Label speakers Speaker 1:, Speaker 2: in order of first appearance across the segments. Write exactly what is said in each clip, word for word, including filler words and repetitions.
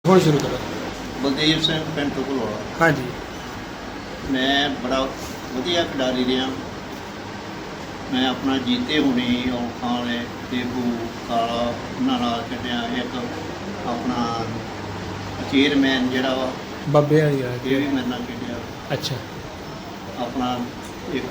Speaker 1: ਹੁਣ ਸ਼ੁਰੂ ਕਰੋ।
Speaker 2: ਬਲਦੇਵ ਸਿੰਘ ਪਿੰਡ ਢੁਕਲਵਾਲਾ।
Speaker 1: ਹਾਂਜੀ।
Speaker 2: ਮੈਂ ਬੜਾ ਵਧੀਆ ਖਿਡਾਰੀ ਰਿਹਾ। ਮੈਂ ਆਪਣਾ ਜੀਤੇ ਹੁਣੀ ਔਖਾਂ ਵਾਲੇ ਦੇਬੂ ਕਾਲਾ ਉਹਨਾਂ ਨਾਲ ਖੇਡਿਆ। ਇੱਕ ਆਪਣਾ ਚੇਅਰਮੈਨ ਜਿਹੜਾ ਵਾ
Speaker 1: ਬਾਬੇ ਵਾਲੀ ਆ
Speaker 2: ਇਹ ਵੀ ਮੇਰੇ ਨਾਲ ਖੇਡਿਆ।
Speaker 1: ਅੱਛਾ।
Speaker 2: ਆਪਣਾ ਇੱਕ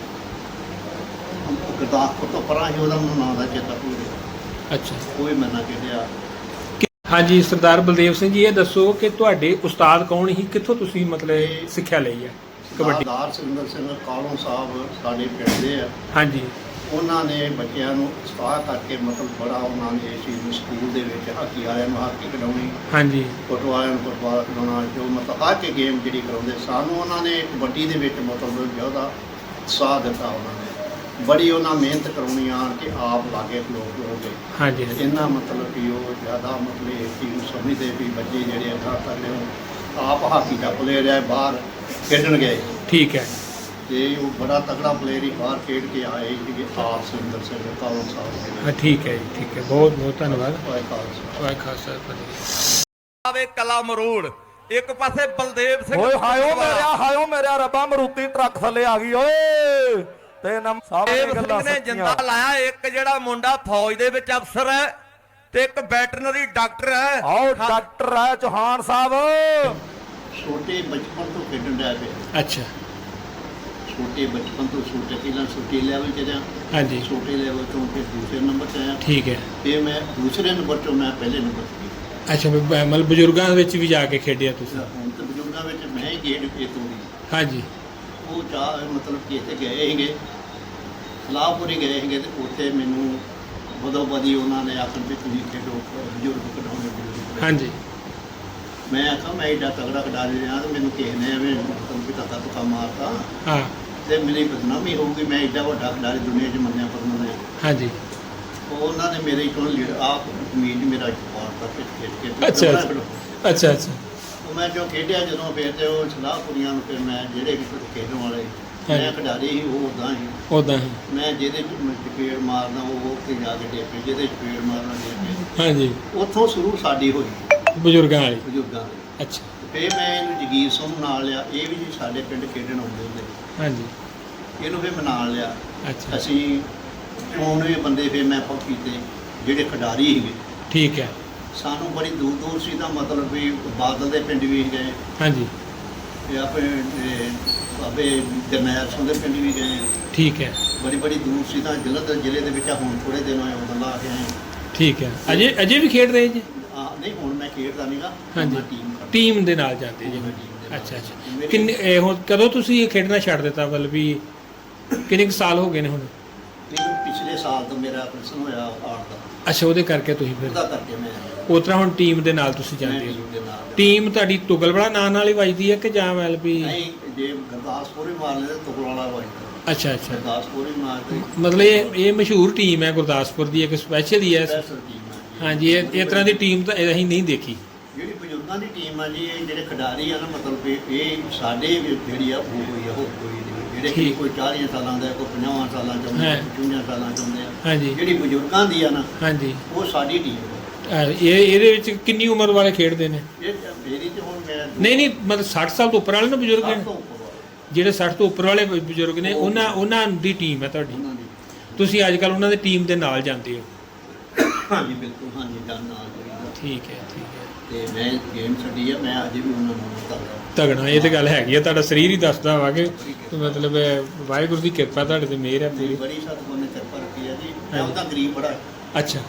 Speaker 2: ਗੁਰਦਾਸਪੁਰ ਤੋਂ ਪਰਾਂ ਸੀ, ਉਹਦਾ ਮੈਨੂੰ ਨਾਂ ਦਾ ਚੇਤਾ ਭੁੱਲ ਗਿਆ।
Speaker 1: ਅੱਛਾ।
Speaker 2: ਉਹ ਵੀ ਮੇਰੇ ਨਾਲ ਖੇਡਿਆ।
Speaker 1: ਹਾਂਜੀ ਸਰਦਾਰ ਬਲਦੇਵ ਸਿੰਘ ਜੀ, ਇਹ ਦੱਸੋ ਕਿ ਤੁਹਾਡੇ ਉਸਤਾਦ ਕੌਣ ਸੀ, ਕਿੱਥੋਂ ਤੁਸੀਂ ਮਤਲਬ ਸਿੱਖਿਆ ਲਈ ਹੈ ਕਬੱਡੀ?
Speaker 2: ਸਰਦਾਰ ਸੁਰਿੰਦਰ ਸਿੰਘ ਕਾਲੋਂ ਸਾਹਿਬ ਸਾਡੇ ਪਿੰਡ ਦੇ ਆ।
Speaker 1: ਹਾਂਜੀ।
Speaker 2: ਉਹਨਾਂ ਨੇ ਬੱਚਿਆਂ ਨੂੰ ਉਤਸ਼ਾਹ ਕਰਕੇ ਮਤਲਬ ਬੜਾ ਉਹਨਾਂ ਨੇ ਇਸ ਚੀਜ਼ ਨੂੰ ਸਕੂਲ ਦੇ ਵਿੱਚ ਹਾਕੀ ਵਾਲਿਆਂ ਨੂੰ ਹਾਕੀ ਖਿਡਾਉਣੀ,
Speaker 1: ਹਾਂਜੀ,
Speaker 2: ਫੁੱਟਬਾਲ ਵਾਲਿਆਂ ਨੂੰ ਫੁੱਟਬਾਲ ਖਿਡਾਉਣਾ, ਜੋ ਮਤਲਬ ਹਰ ਇੱਕ ਗੇਮ ਜਿਹੜੀ ਕਰਾਉਂਦੇ ਸਾਨੂੰ ਉਹਨਾਂ ਨੇ ਕਬੱਡੀ ਦੇ ਵਿੱਚ ਮਤਲਬ ਜ਼ਿਆਦਾ ਉਤਸ਼ਾਹ ਦਿੱਤਾ। ਉਹਨਾਂ ਨੇ ਬੜੀ ਉਹਨਾਂ ਮਿਹਨਤ ਕਰਾਉਣੀ ਆਣ ਕੇ ਆਪ ਲਾਗੇ ਲੋਕ ਹੋ ਗਏ।
Speaker 1: ਹਾਂਜੀ ਹਾਂਜੀ।
Speaker 2: ਇਹਨਾਂ ਮਤਲਬ ਕਿ ਉਹ ਜ਼ਿਆਦਾ ਮਤਲਬ ਇਸ ਚੀਜ਼ ਨੂੰ ਸਮਝਦੇ ਵੀ ਬੱਚੇ ਜਿਹੜੇ ਅੱਗਾ ਕਰਦੇ ਹੋ ਆਪ ਹਾਕੀ ਦਾ ਪਲੇਅਰ ਹੈ, ਬਾਹਰ ਖੇਡਣ ਗਏ।
Speaker 1: ਠੀਕ ਹੈ।
Speaker 2: ਤੇ ਉਹ ਬੜਾ ਤਕੜਾ ਪਲੇਅਰ ਹੀ ਬਾਹਰ ਖੇਡ ਕੇ ਆਏ ਸੀਗੇ ਆਪ ਸੁਰਿੰਦਰ ਸਿੰਘ ਕਾਲੋਂ ਸਾਹਿਬ।
Speaker 1: ਹਾਂ ਠੀਕ ਹੈ ਜੀ, ਠੀਕ ਹੈ, ਬਹੁਤ ਬਹੁਤ ਧੰਨਵਾਦ।
Speaker 2: ਵਾਹਿ ਖਾਲਸਾ
Speaker 1: ਵਾਹਿ ਖਾਲਸਾ ਫਤਿਹ।
Speaker 3: ਆਵੇ ਕਲਾ ਮਰੂੜ ਇੱਕ ਪਾਸੇ ਬਲਦੇਵ ਸਿੰਘ।
Speaker 4: ਓਏ ਹਾਇਓ ਮੇਰਿਆ ਹਾਇਓ ਮੇਰਿਆ ਰੱਬਾ, ਮਰੂਤੀ ਟਰੱਕ ਥੱਲੇ ਆ ਗਈ ਓਏ। ਤੇ ਨਮ ਸਾਹਮਣੇ
Speaker 3: ਬਲਦੇਵ
Speaker 4: ਗੱਲਾਂ
Speaker 3: ਸਿੰਘ ਨੇ ਜਿੰਦਾ
Speaker 4: ਸੱਚੀਆਂ।
Speaker 3: ਲਾਇਆ। ਇੱਕ ਜਿਹੜਾ ਮੁੰਡਾ ਫੌਜ ਦੇ ਵਿੱਚ ਅਫਸਰ ਹੈ ਤੇ ਇੱਕ ਵੈਟਰਨਰੀ ਡਾਕਟਰ ਹੈ।
Speaker 4: ਆਓ ਡਾਕਟਰ ਹੈ ਚੌਹਾਨ ਸਾਹਿਬ।
Speaker 2: ਛੋਟੇ ਬਚਪਨ ਤੋਂ ਖੇਡਣ ਡਿਆ ਪਿਆ।
Speaker 1: ਅੱਛਾ।
Speaker 2: ਛੋਟੇ ਬਚਪਨ ਤੋਂ ਛੋਟੇ ਪਹਿਲਾਂ ਛੋਟੇ ਲੈਵਲ 'ਚ ਰਿਹਾ।
Speaker 1: ਹਾਂਜੀ।
Speaker 2: ਛੋਟੇ ਲੈਵਲ ਤੋਂ ਫਿਰ ਦੂਸਰੇ ਨੰਬਰ 'ਤੇ ਆਇਆ।
Speaker 1: ਠੀਕ ਹੈ।
Speaker 2: ਫਿਰ ਮੈਂ ਦੂਸਰੇ ਨੰਬਰ 'ਚੋਂ ਮੈਂ ਪਹਿਲੇ ਨੰਬਰ 'ਤੇ ਗਿਆ।
Speaker 1: ਅੱਛਾ, ਬ- ਮਤਲਬ ਬਜ਼ੁਰਗਾਂ ਵਿੱਚ ਵੀ ਜਾ ਕੇ ਖੇਡਿਆ ਤੁਸੀਂ?
Speaker 2: ਹੁਣ ਤਾਂ ਬਜ਼ੁਰਗਾਂ ਵਿੱਚ ਮੈਂ ਹੀ ਗੇੜ ਕੇ ਤੋੜੀ।
Speaker 1: ਹਾਂਜੀ।
Speaker 2: ਉਹ ਚਾਹ ਮਤਲਬ ਕਿ ਇੱਥੇ ਗਏ ਸੀਗੇ, ਸਲਾਹਪੁਰੀ ਗਏ ਸੀਗੇ, ਤੇ ਉੱਥੇ ਮੈਨੂੰ ਬਦੋ ਬਦੀ ਉਹਨਾਂ ਨੇ ਆਖਣ ਵੀ ਤੁਸੀਂ ਖੇਡੋ, ਬਜ਼ੁਰਗ ਖਿਡਾਉਣੇ ਬਜ਼ੁਰਗ।
Speaker 1: ਹਾਂਜੀ।
Speaker 2: ਮੈਂ ਆਖਾਂ ਮੈਂ ਏਡਾ ਤਗੜਾ ਖਿਡਾਰੀ ਰਿਹਾ ਤੇ ਮੈਨੂੰ ਕਿਸੇ ਨੇ ਐਵੇਂ ਮਤਲਬ ਕਿ ਧੱਕਾ ਧੁੱਕਾ ਮਾਰਤਾ
Speaker 1: ਹਾਂ।
Speaker 2: ਤੇ ਮੇਰੀ ਬਦਨਾਮੀ ਹੋਊਗੀ, ਮੈਂ ਏਡਾ ਵੱਡਾ ਖਿਡਾਰੀ ਦੁਨੀਆ 'ਚ ਮੰਨਿਆ ਪਰਮਾ।
Speaker 1: ਹਾਂਜੀ।
Speaker 2: ਉਹਨਾਂ ਨੇ ਮੇਰੇ ਕੋਲ ਲੀਡਰ ਆਪ ਜ਼ਮੀਨ ਮੇਰਾ ਪਾੜਤਾ ਖੇਡ ਖੇਡ ਕੇ।
Speaker 1: ਅੱਛਾ ਅੱਛਾ ਅੱਛਾ ਅੱਛਾ।
Speaker 2: ਉਹ ਮੈਂ ਜੋ ਖੇਡਿਆ ਜਦੋਂ ਫਿਰ ਤੇ ਉਹ ਸਲਾਹਪੁਰੀਆਂ ਨੂੰ ਫਿਰ ਮੈਂ ਜਿਹੜੇ ਵੀ ਖੇਡਣ ਵਾਲੇ ਮੈਂ ਖਿਡਾਰੀ ਸੀ ਉਹ ਉੱਦਾਂ ਹੀ
Speaker 1: ਉੱਦਾਂ ਹੀ।
Speaker 2: ਮੈਂ ਜਿਹਦੇ 'ਚ ਚਪੇੜ ਮਾਰਦਾ ਉਹ ਉੱਥੇ ਜਾ ਕੇ ਡੇਪੇ, ਜਿਹਦੇ 'ਚ ਚਪੇੜ ਮਾਰਨਾ ਡੇਪੇ।
Speaker 1: ਹਾਂਜੀ।
Speaker 2: ਉੱਥੋਂ ਸ਼ੁਰੂ ਸਾਡੀ ਹੋਈ
Speaker 1: ਬਜ਼ੁਰਗਾਂ ਵਾਲੀ।
Speaker 2: ਬਜ਼ੁਰਗਾਂ ਦੀ।
Speaker 1: ਅੱਛਾ।
Speaker 2: ਫਿਰ ਮੈਂ ਇਹਨੂੰ ਜਗੀਰ ਸਿੰਘ ਨਾਲ ਲਿਆ, ਇਹ ਵੀ ਜੀ ਸਾਡੇ ਪਿੰਡ ਖੇਡਣ ਆਉਂਦੇ ਹੁੰਦੇ।
Speaker 1: ਹਾਂਜੀ।
Speaker 2: ਇਹਨੂੰ ਫਿਰ ਮੈਂ ਨਾਲ ਲਿਆ।
Speaker 1: ਅੱਛਾ।
Speaker 2: ਅਸੀਂ ਚੋਣਵੇਂ ਬੰਦੇ ਫਿਰ ਮੈਂ ਪੱਕ ਕੀਤੇ ਜਿਹੜੇ ਖਿਡਾਰੀ ਸੀਗੇ।
Speaker 1: ਠੀਕ ਹੈ।
Speaker 2: ਸਾਨੂੰ ਬੜੀ ਦੂਰ ਦੂਰ ਸੀ ਤਾਂ ਮਤਲਬ ਵੀ ਬਾਦਲ ਦੇ ਪਿੰਡ ਵੀ ਗਏ,
Speaker 1: ਹਾਂਜੀ।
Speaker 2: ਤੇ ਆਪਣੇ ਇਹ ਬਾਬੇ ਜਰਨੈਲ ਸਿੰਘ ਦੇ ਪਿੰਡ ਵੀ ਗਏ।
Speaker 1: ਠੀਕ ਹੈ।
Speaker 2: ਬੜੀ ਬੜੀ ਦੂਰ ਸੀ ਤਾਂ ਜਲੰਧਰ ਜ਼ਿਲ੍ਹੇ ਦੇ ਵਿੱਚ ਹੁਣ ਥੋੜ੍ਹੇ ਦਿਨ ਹੋਏ ਉਦੋਂ ਲਾ ਕੇ ਆਏ।
Speaker 1: ਠੀਕ ਹੈ। ਅਜੇ ਅਜੇ ਵੀ ਖੇਡ ਰਹੇ ਜੀ?
Speaker 2: ਆ ਨਹੀਂ ਹੁਣ ਮੈਂ ਖੇਡਦਾ ਨਹੀਂਗਾ।
Speaker 1: ਹਾਂਜੀ।
Speaker 2: ਟੀਮ
Speaker 1: ਟੀਮ ਦੇ ਨਾਲ ਜਾਂਦੇ ਜੀ? ਅੱਛਾ ਅੱਛਾ। ਕਿੰਨੇ ਇਹ ਹੁਣ ਕਦੋਂ ਤੁਸੀਂ ਇਹ ਖੇਡਣਾ ਛੱਡ ਦਿੱਤਾ? ਮਤਲਬ ਵੀ ਕਿੰਨੇ ਕੁ ਸਾਲ ਹੋ ਗਏ ਨੇ ਹੁਣ?
Speaker 2: ਮੈਨੂੰ ਪਿਛਲੇ ਸਾਲ ਤੋਂ ਮੇਰਾ ਆਪਰੇਸ਼ਨ ਹੋਇਆ ਹਾਰਟ ਦਾ,
Speaker 1: ਅੱਛਾ, ਉਹਦੇ ਕਰਕੇ ਤੁਸੀਂ ਫਿਰ
Speaker 2: ਉਹਦਾ ਕਰਕੇ ਮੈਂ
Speaker 1: ਉਸ ਤਰ੍ਹਾਂ ਹੁਣ ਟੀਮ ਦੇ ਨਾਲ ਤੁਸੀਂ
Speaker 2: ਮੈਂ
Speaker 1: ਜਾਂਦੇ ਹੋ?
Speaker 2: ਟੀਮ ਦੇ ਨਾਲ।
Speaker 1: ਟੀਮ ਤੁਹਾਡੀ ਤੁਗਲਬੜਾ ਨਾਂ ਨਾਲ ਹੀ ਵੱਜਦੀ ਹੈ ਕਿ ਜਾਂ ਮਤਲਬ ਵੀ?
Speaker 2: ਨਹੀਂ, ਜੇ ਗੁਰਦਾਸਪੁਰ ਹੀ ਮਾਰ ਲੈਂਦੇ ਤੁਗਲ ਵਾਲਾ ਵਾਈਟ।
Speaker 1: ਅੱਛਾ ਅੱਛਾ।
Speaker 2: ਗੁਰਦਾਸਪੁਰ ਹੀ ਮਾਰਦੇ।
Speaker 1: ਮਤਲਬ ਇਹ ਇਹ ਮਸ਼ਹੂਰ ਟੀਮ ਹੈ ਗੁਰਦਾਸਪੁਰ ਦੀ, ਇੱਕ ਸਪੈਸ਼ਲ ਹੀ ਹੈ।
Speaker 2: ਸਪੈਸ਼ਲ ਟੀਮ ਹੈ ਜੀ।
Speaker 1: ਹਾਂਜੀ। ਇਹ ਇਸ ਤਰ੍ਹਾਂ ਦੀ ਟੀਮ ਤਾਂ ਅਸੀਂ ਨਹੀਂ ਦੇਖੀ।
Speaker 2: ਜਿਹੜੀ ਬਜ਼ੁਰਗਾਂ ਦੀ ਟੀਮ ਆ ਜੀ, ਇਹ ਜਿਹੜੇ ਖਿਡਾਰੀ ਆ ਨਾ ਮਤਲਬ ਕਿ ਇਹ ਸਾਡੇ ਵੀ ਜਿਹੜੀ ਆ ਉਹ ਹੋਈ ਆ, ਹੋਰ ਕੋਈ ਨਹੀਂ। ਜਿਹੜੇ ਕਿ
Speaker 1: ਠੀਕ।
Speaker 2: ਕੋਈ ਚਾਲੀਆਂ ਸਾਲਾਂ ਦਾ, ਕੋਈ ਪੰਜਾਹਾਂ ਸਾਲਾਂ ਚ ਆਉਂਦੇ,
Speaker 1: ਹਾਂ।
Speaker 2: ਕੋਈ ਪਚਵੰਜਾ ਸਾਲਾਂ ਚ ਆਉਂਦੇ ਆ।
Speaker 1: ਹਾਂਜੀ।
Speaker 2: ਜਿਹੜੀ ਬਜ਼ੁਰਗਾਂ ਦੀ ਆ ਨਾ
Speaker 1: ਹਾਂਜੀ।
Speaker 2: ਉਹ ਸਾਡੀ ਟੀਮ ਆ।
Speaker 1: ਅਹ ਇਹ ਇਹਦੇ ਵਿੱਚ ਕਿੰਨੀ ਉਮਰ ਵਾਲੇ ਖੇਡਦੇ ਨੇ?
Speaker 2: ਇਹ ਮੇਰੀ ਤੇ ਹੁਣ ਮੈਂ
Speaker 1: ਨਹੀਂ ਨਹੀਂ, ਮਤਲਬ ਸੱਠ ਸਾਲ ਤੋਂ ਉੱਪਰ ਵਾਲੇ ਨਾ ਬਜ਼ੁਰਗ
Speaker 2: ਸੱਠ
Speaker 1: ਨੇ?
Speaker 2: ਤੋਂ ਉੱਪਰ ਵਾਲੇ।
Speaker 1: ਜਿਹੜੇ ਸੱਠ ਤੋਂ ਉੱਪਰ ਵਾਲੇ ਬ- ਬਜ਼ੁਰਗ ਨੇ ਉਹਨਾਂ ਉਹਨਾਂ ਦੀ ਟੀਮ ਹੈ ਤੁਹਾਡੀ?
Speaker 2: ਉਹਨਾਂ ਦੀ।
Speaker 1: ਤੁਸੀਂ ਅੱਜ ਕੱਲ੍ਹ ਉਹਨਾਂ ਦੀ ਟੀਮ ਦੇ ਨਾਲ ਜਾਂਦੇ ਹੋ?
Speaker 2: ਹਾਂਜੀ ਬਿਲਕੁਲ, ਹਾਂਜੀ ਜਾਨ ਨਾਲ ਜੁੜੀਦਾ।
Speaker 1: ਠੀਕ ਹੈ ਠੀਕ ਹੈ।
Speaker 2: ਤੇ ਮੈਂ ਗੇਮ ਛੱਡੀ ਆ, ਮੈਂ ਅਜੇ ਵੀ ਉਹਨਾਂ ਨੂੰ ਕਰਦਾ।
Speaker 1: ਤਗੜਾ, ਇਹ ਤੇ ਗੱਲ ਹੈਗੀ ਆ। ਤੁਹਾਡਾ ਸਰੀਰ ਹੀ ਦੱਸਦਾ ਵਾ ਕਿ ਮਤਲਬ ਵਾਹਿਗੁਰੂ ਦੀ ਕਿਰਪਾ ਤੁਹਾਡੇ ਤੇ ਮਿਹਰ ਹੈ ਪੂਰੀ।
Speaker 2: ਬੜੀ ਸਤਿਗੁਰ ਨੇ ਕਿਰਪਾ ਰੱਖੀ ਆ ਜੀ। ਮੈਂ ਉਹਦਾ ਗਰੀਬ ਬੜਾ,
Speaker 1: ਅੱਛਾ।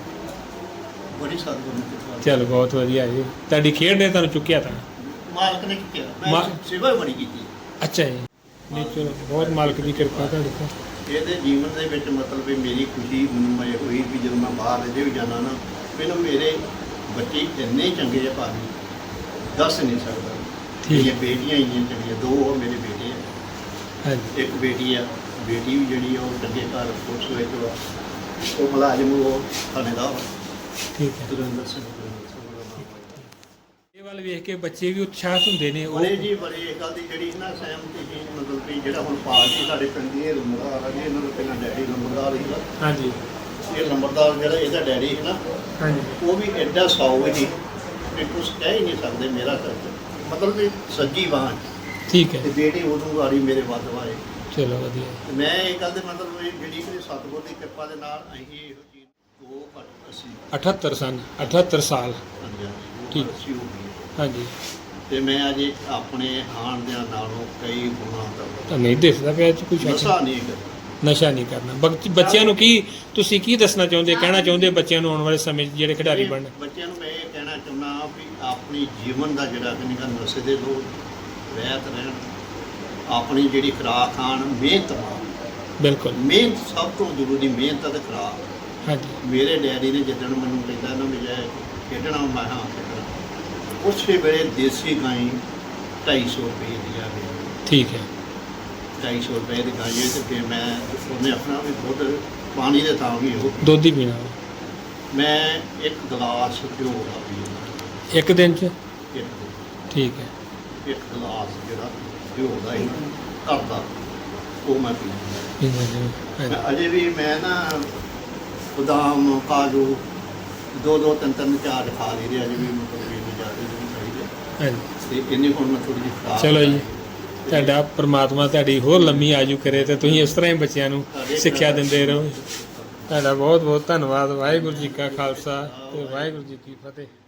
Speaker 2: ਬੜੀ ਸਤਿਗੁਰ ਨੇ ਕਿਰਪਾ।
Speaker 1: ਚਲੋ ਬਹੁਤ ਵਧੀਆ ਜੀ, ਤੁਹਾਡੀ ਖੇਡ ਨੇ ਤੁਹਾਨੂੰ ਚੁੱਕਿਆ ਤਾਂ।
Speaker 2: ਮਾਲਕ ਨੇ ਚੁੱਕਿਆ, ਮੈਂ
Speaker 1: ਮਾ-
Speaker 2: ਸੇਵਾ ਬੜੀ ਕੀਤੀ।
Speaker 1: ਅੱਛਾ ਜੀ। ਨਹੀਂ ਚਲੋ, ਬਹੁਤ ਮਾਲਕ ਦੀ ਕਿਰਪਾ ਤੁਹਾਡੇ ਤੇ।
Speaker 2: ਇਹਦੇ ਜੀਵਨ ਦੇ ਵਿੱਚ ਮਤਲਬ ਵੀ ਮੇਰੀ ਖੁਸ਼ੀ ਮੈਨੂੰ ਇਹ ਹੋਈ ਵੀ ਜਦੋਂ ਮੈਂ ਬਾਹਰ ਅਜੇ ਵੀ ਜਾਣਾ ਨਾ, ਮੈਨੂੰ ਮੇਰੇ ਬੱਚੇ ਇੰਨੇ ਚੰਗੇ ਆ ਭਾਜੀ, ਦੱਸ ਨਹੀਂ ਸਕਦਾ।
Speaker 1: ਠੀਕ।
Speaker 2: ਮੇਰੀਆਂ ਬੇਟੀਆਂ ਇੰਨੀਆਂ ਚੰਗੀਆਂ, ਦੋ ਹੋਰ ਮੇਰੇ ਬੇਟੇ ਆ।
Speaker 1: ਹਾਂਜੀ।
Speaker 2: ਇੱਕ ਬੇਟੀ ਆ, ਬੇਟੀ ਵੀ ਜਿਹੜੀ ਆ ਉਹ ਚੰਗੇ ਘਰ ਪੁਲਿਸ ਵਿੱਚ ਵਾ, ਉਹ ਮੁਲਾਜ਼ਮ, ਉਹ ਥਾਣੇਦਾਰ ਵਾ,
Speaker 1: ਠੀਕ ਹੈ।
Speaker 2: ਸੁਰਿੰਦਰ ਸਿੰਘ ਸੁਰਿੰਦਰ ਸਿੰਘ ਉਹਦਾ ਨਾਮ ਆ।
Speaker 1: ਇਹ ਵੱਲ ਵੇਖ ਕੇ ਬੱਚੇ ਵੀ ਉਤਸ਼ਾਹਿਤ ਹੁੰਦੇ ਨੇ। ਉਹ
Speaker 2: ਬੜੇ ਜੀ ਬੜੇ ਇਹ ਗੱਲ ਦੀ ਜਿਹੜੀ ਨਾ ਸਹਿਮਤੀ ਸੀ ਮਤਲਬ ਵੀ ਜਿਹੜਾ ਹੁਣ ਪਾਰਟੀ ਸਾਡੇ ਪਿੰਡ ਦੀ ਇਹ ਲੰਬੜਦਾਰ ਆ ਜੀ, ਇਹਨਾਂ ਦਾ ਪਹਿਲਾਂ ਡੈਡੀ ਲੰਬੜਦਾਰ ਸੀਗਾ।
Speaker 1: ਹਾਂਜੀ।
Speaker 2: ਇਹ ਲੰਬੜਦਾਰ ਜਿਹੜਾ ਇਹਦਾ ਡੈਡੀ ਸੀ ਨਾ,
Speaker 1: ਹਾਂਜੀ।
Speaker 2: ਉਹ ਵੀ ਐਡਾ ਸੌ ਸੀ ਵੀ ਕੁਛ ਕਹਿ ਹੀ ਨਹੀਂ ਸਕਦੇ ਮੇਰਾ ਖਰਚ ਮਤਲਬ ਵੀ ਸੱਜੀ ਬਾਂਹ
Speaker 1: ਠੀਕ ਹੈ
Speaker 2: ਤੇ ਬੇਟੀ ਉਦੋਂ ਗਾੜੀ ਮੇਰੇ ਵੱਧ ਵਾਏ
Speaker 1: ਚਲੋ ਵਧੀਆ
Speaker 2: ਤੇ ਮੈਂ ਇਹ ਗੱਲ ਦੇ ਮਤਲਬ ਇਹ ਜਿਹੜੀ ਕਿ ਸਤਿਗੁਰ ਦੀ ਕਿਰਪਾ ਦੇ ਨਾਲ ਅਸੀਂ ਇਹੋ ਚੀਜ਼ ਦੋ ਘੱਟ ਅਸੀਂ
Speaker 1: ਅਠੱਤਰ ਸਨ ਅਠੱਤਰ ਸਾਲ
Speaker 2: ਹਾਂਜੀ ਹਾਂਜੀ
Speaker 1: ਠੀਕ।
Speaker 2: ਉਹ ਅਸੀਂ ਹੋ ਗਈ
Speaker 1: ਹਾਂਜੀ
Speaker 2: ਤੇ ਮੈਂ ਅਜੇ ਆਪਣੇ ਆਣ ਦੇ ਨਾਲੋਂ ਕਈ ਗੁਣਾ
Speaker 1: ਤਾਂ
Speaker 2: ਦਾ
Speaker 1: ਨਹੀਂ ਦਿਸਦਾ ਪਿਆ ਇਹ 'ਚ ਕੁਛ
Speaker 2: ਨਸ਼ਾ ਨਹੀਂ ਕਰਦਾ
Speaker 1: ਨਸ਼ਾ ਨਹੀਂ ਕਰਨਾ ਬੱਚ- ਬੱਚਿਆਂ ਨੂੰ ਕੀ ਤੁਸੀਂ ਕੀ ਦੱਸਣਾ ਚਾਹੁੰਦੇ ਕਹਿਣਾ ਚਾਹੁੰਦੇ ਬੱਚਿਆਂ ਨੂੰ ਆਉਣ ਵਾਲੇ ਸਮੇਂ 'ਚ ਜਿਹੜੇ ਖਿਡਾਰੀ ਬਣਨ
Speaker 2: ਬੱਚਿਆਂ ਨੂੰ ਮੈਂ ਇਹ ਕਹਿਣਾ ਚਾਹੁੰਦਾ ਵੀ ਆਪਣੀ ਜੀਵਨ ਦਾ ਜਿਹੜਾ ਕਿ ਨਿਕਾ ਨਸ਼ੇ ਦੇ ਲੋਕ ਰਹਿਤ ਰਹਿਣ ਆਪਣੀ ਜਿਹੜੀ ਖੁਰਾਕ ਖਾਣ ਮਿਹਨਤ ਨਾਲ
Speaker 1: ਬਿਲਕੁਲ
Speaker 2: ਮਿਹਨਤ ਸਭ ਤੋਂ ਜ਼ਰੂਰੀ ਮਿਹਨਤ ਅਤੇ ਖੁਰਾਕ
Speaker 1: ਹਾਂਜੀ
Speaker 2: ਮੇਰੇ ਡੈਡੀ ਨੇ ਜਿੱਦਣ ਮੈਨੂੰ ਕਹਿੰਦਾ ਨਾ ਵੀ ਜੇ ਖੇਡਣਾ ਮੈਂ ਹਾਂ ਖੇਡਣਾ ਉਸੇ ਵੇਲੇ ਦੇਸੀ ਗਾਈ ਢਾਈ ਸੌ ਰੁਪਏ ਦੀ ਆ ਗਈ
Speaker 1: ਠੀਕ ਹੈ
Speaker 2: ਢਾਈ ਸੌ ਰੁਪਏ ਦੀ ਗਾਈ ਤੇ ਫਿਰ ਮੈਂ ਉਹਨੇ ਆਪਣਾ ਵੀ ਦੁੱਧ ਪਾਣੀ ਦੇ ਤਾਂ ਵੀ ਉਹ
Speaker 1: ਦੁੱਧ ਹੀ ਪੀਣਾ
Speaker 2: ਮੈਂ ਇੱਕ ਗਲਾਸ ਘਿਓ ਦਾ ਪੀਂਦਾ
Speaker 1: ਇੱਕ ਦਿਨ 'ਚ
Speaker 2: ਇੱਕ
Speaker 1: ਠੀਕ ਹੈ
Speaker 2: ਇੱਕ ਗਲਾਸ ਜਿਹੜਾ ਘਿਓ ਦਾ ਹੀ ਘਰ ਦਾ ਉਹ ਮੈਂ ਪੀਂਦਾ
Speaker 1: ਪੀਂਦੇ ਨੇ। ਹਾਂਜੀ
Speaker 2: ਮੈਂ ਅਜੇ ਵੀ ਮੈਂ ਨਾ ਬਦਾਮ ਕਾਜੂ ਦੋ ਦੋ ਤਿੰਨ ਤਿੰਨ ਚਾਰ ਖਾ ਲਈ ਦੇ ਅਜੇ ਵੀ ਮਤਲਬ ਵੀ ਨਹੀਂ ਜ਼ਿਆਦਾ ਨਹੀਂ ਚਾਹੀਦੇ
Speaker 1: ਹਾਂਜੀ
Speaker 2: ਤੇ ਇੰਨੀ ਹੁਣ ਮੈਂ ਥੋੜੀ ਜਿਹੀ ਖੁਰਾਕ
Speaker 1: ਚਲੋ ਜੀ
Speaker 2: ਤੇ
Speaker 1: ਤੁਹਾਡਾ ਪ੍ਰਮਾਤਮਾ ਤੁਹਾਡੀ ਹੋਰ ਲੰਮੀ ਆਜੂ ਕਰੇ ਤੇ ਤੁਸੀਂ ਇਸ ਤਰ੍ਹਾਂ ਹੀ ਬੱਚਿਆਂ ਨੂੰ ਸਿੱਖਿਆ ਦਿੰਦੇ ਰਹੋ ਤੁਹਾਡਾ ਬਹੁਤ ਬਹੁਤ ਧੰਨਵਾਦ ਵਾਹਿਗੁਰੂ ਜੀ ਕਾ ਖਾਲਸਾ ਤੇ ਵਾਹਿਗੁਰੂ ਜੀ ਕੀ ਫਤਿਹ